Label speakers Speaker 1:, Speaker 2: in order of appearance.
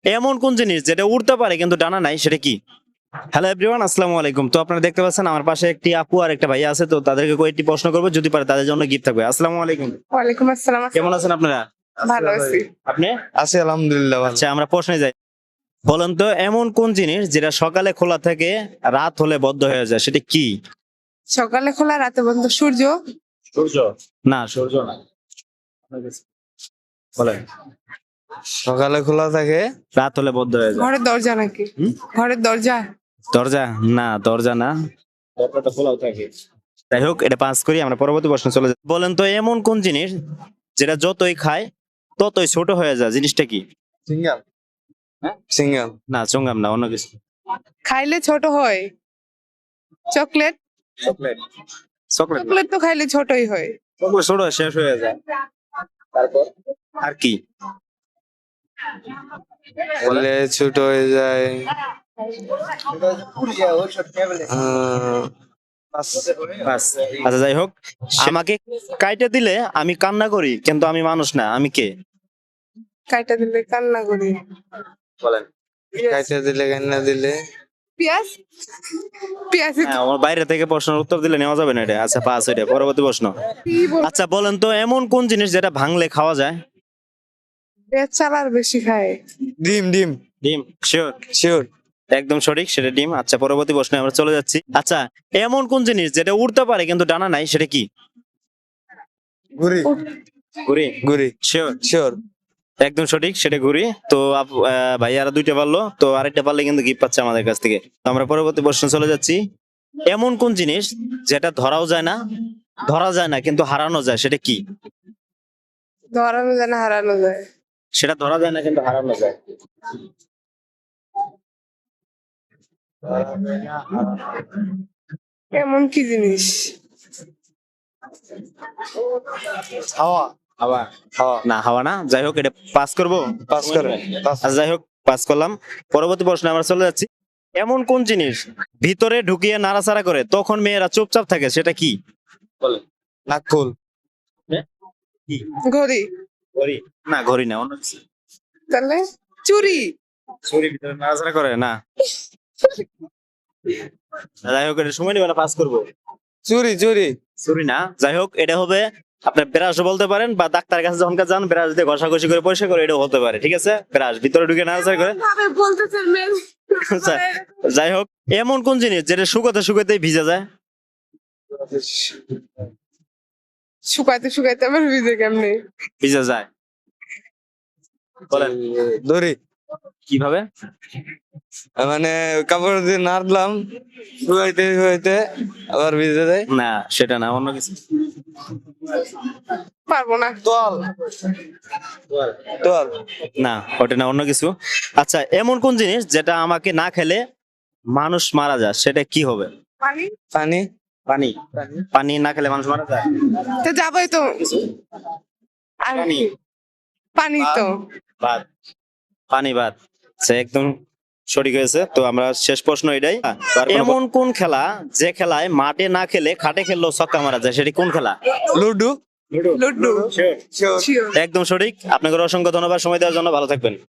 Speaker 1: এমন কোন জিনিস যেটা উড়তে পারে কিন্তু ডানা নাই, সেটা কি? হ্যালো এভরিওয়ান, আসসালামু আলাইকুম। তো আপনারা দেখতে পাচ্ছেন আমার পাশে একটি আপু আর একটা ভাইয়া আছে, তো তাদেরকে কয়েকটি প্রশ্ন করবো, যদি পারে তাদের জন্য গিফট থাকবে। আসসালামু আলাইকুম।
Speaker 2: ওয়ালাইকুম আসসালাম।
Speaker 1: কেমন আছেন আপনারা?
Speaker 2: ভালো আছি।
Speaker 1: আপনি?
Speaker 3: আছি আলহামদুলিল্লাহ ভালো।
Speaker 1: আচ্ছা, আমরা প্রশ্নে যাই। বলেন তো, এমন কোন জিনিস যেটা সকালে খোলা থাকে, রাত হলে বদ্ধ হয়ে যায়, সেটা কি?
Speaker 2: সকালে খোলা রাতে বন্ধ। সূর্য।
Speaker 1: সূর্য? না, সূর্য না। বলেন।
Speaker 3: সকালে খোলা থাকে,
Speaker 1: রাত হলে বদ্ধ হয়ে যায়।
Speaker 2: ঘরের দরজা নাকি?
Speaker 1: হুম?
Speaker 2: ঘরের দরজা।
Speaker 1: দরজা? না, দরজা না। দরজাটা খোলাও থাকে। যাই হোক, এটা পাস করি, আমরা পরবর্তী প্রশ্ন চলে যাই। বলেন তো, এমন কোন জিনিস যেটা যতই খায় ততই ছোট হয়ে যায়, জিনিসটা কি?
Speaker 3: সিঙ্গাল।
Speaker 1: হ্যাঁ?
Speaker 3: সিঙ্গাল।
Speaker 1: না, চুঙ্গাম না, অন্য কিছু।
Speaker 2: খাইলে ছোট হয়। চকলেট।
Speaker 1: চকলেট? চকলেট না।
Speaker 2: চকলেট তো খাইলে ছোটই হয়।
Speaker 1: চকলেট ছোট হয়ে শেষ হয়ে যায়। তারপর আর কি?
Speaker 3: বলে ছোট হয়ে যায়।
Speaker 1: বাস। আচ্ছা, যাই হোক, আমাকে কাইটে দিলে আমি কান্না করি, কিন্তু আমি মানুষ না, আমি কে?
Speaker 2: কাইটা দিলে কান্না করি।
Speaker 1: বলেন।
Speaker 3: কাইটা দিলে কান্না দিলে
Speaker 2: পেঁয়াজ। পেঁয়াজ।
Speaker 1: হ্যাঁ, আমার বাইরে থেকে প্রশ্নের উত্তর দিলে নেওয়া যাবে না এটা। আচ্ছা, পাস এটা। পরবর্তী প্রশ্ন।
Speaker 2: কি বল?
Speaker 1: আচ্ছা, বলেন তো, এমন কোন জিনিস যেটা ভাঙলে খাওয়া যায়?
Speaker 2: পেঁয়াজ চালার বেশি খায়।
Speaker 3: ডিম। ডিম
Speaker 1: ডিম? শিওর?
Speaker 3: শিওর।
Speaker 1: একদম সঠিক, সেটা ডিম। আচ্ছা, পরবর্তী প্রশ্নে আমরা চলে যাচ্ছি। আচ্ছা, এমন কোন জিনিস যেটা উড়তে পারে কিন্তু ডানা নাই, সেটা কি?
Speaker 3: ঘুড়ি।
Speaker 1: ঘুড়ি?
Speaker 3: ঘুড়ি
Speaker 1: শিওর?
Speaker 3: শিওর।
Speaker 1: একদম সঠিক, সেটা ঘুড়ি। তো ভাইয়ারা দুইটা পারলো, তো আরেকটা পারলে কিন্তু গিফট পাচ্ছে আমাদের কাছ থেকে। তো আমরা পরবর্তী প্রশ্ন চলে যাচ্ছি। এমন কোন জিনিস যেটা ধরা যায় না কিন্তু হারানো যায়, সেটা কি?
Speaker 2: ধরানো যায় না, হারানো যায়।
Speaker 1: সেটা ধরা যায় না কিন্তু হারানো যায়।
Speaker 2: এমন কি জিনিস?
Speaker 3: হাওয়া।
Speaker 1: হাওয়া?
Speaker 3: হাওয়া।
Speaker 1: না, হাওয়া না। যাই হোক, এটা পাস করবো।
Speaker 3: পাস করে।
Speaker 1: আচ্ছা, যাই হোক, পাস করলাম। পরবর্তী প্রশ্নে আমরা চলে যাচ্ছি। এমন কোন জিনিস ভিতরে ঢুকিয়ে নাড়াচাড়া করে তখন মেয়েরা চুপচাপ থাকে, সেটা কি? বলেন।
Speaker 3: নাকফুল।
Speaker 1: কি?
Speaker 2: ঘড়ি।
Speaker 1: ঘড়ি? না, ঘড়ি না, অন্য কিছু।
Speaker 2: তাহলে চুরি।
Speaker 1: ছুরি ভিতরে নাড়াচাড়া করে না। যাই হোক, এটা সময় নেবে না, পাস করবো।
Speaker 3: চুরি। চুরি।
Speaker 1: ছুরি না। যাই হোক, এটা হবে আপনার ব্রাশও বলতে পারেন, বা ডাক্তারের কাছে যখন যান ব্রাশ দিয়ে ঘষাঘষি করে পরিষ্কার করে, এটাও হতে পারে। ঠিক আছে, ব্রাশ ভিতরে ঢুকে নাড়াচাড়া করে।
Speaker 2: ভাবে বলতেছেন মেন।
Speaker 1: আচ্ছা, যাই হোক, এমন কোন জিনিস যেটা শুকাতে শুকাতেই ভিজে যায়?
Speaker 2: শুকাইতে শুকাইতে আবার ভিজে কেমনে?
Speaker 1: ভিজে যায়। বলেন।
Speaker 3: দড়ি।
Speaker 1: কিভাবে?
Speaker 3: মানে কাপড় দিয়ে নাড়লাম, শুয়াইতে শুয়াইতে আবার ভিজে যায়।
Speaker 1: না, সেটা না, অন্য কিছু।
Speaker 2: পারবো না।
Speaker 3: তোয়াল। তোয়াল।
Speaker 1: না, ওটা না, অন্য কিছু। আচ্ছা, এমন কোন জিনিস যেটা আমাকে না খেলে মানুষ মারা যায়, সেটা কি হবে?
Speaker 2: পানি।
Speaker 3: পানি।
Speaker 1: পানি? পানি না খেলে মানুষ মারা যায়?
Speaker 2: তো যাবোই তো। আর
Speaker 1: পানি?
Speaker 2: কি? পানি তো।
Speaker 1: ভাত? পানি ভাত। আচ্ছা, একদম সঠিক হয়েছে। তো আমরা শেষ প্রশ্ন এটাই। এমন কোন খেলা যে খেলায় মাঠে না খেলে খাটে খেললেও ছক্কা মারা যায়, সেটি কোন খেলা?
Speaker 3: লুডু।
Speaker 2: লুডু।
Speaker 3: শিওর।
Speaker 2: শিওর।
Speaker 1: একদম সঠিক। আপনাকে অসংখ্য ধন্যবাদ সময় দেওয়ার জন্য। ভালো থাকবেন।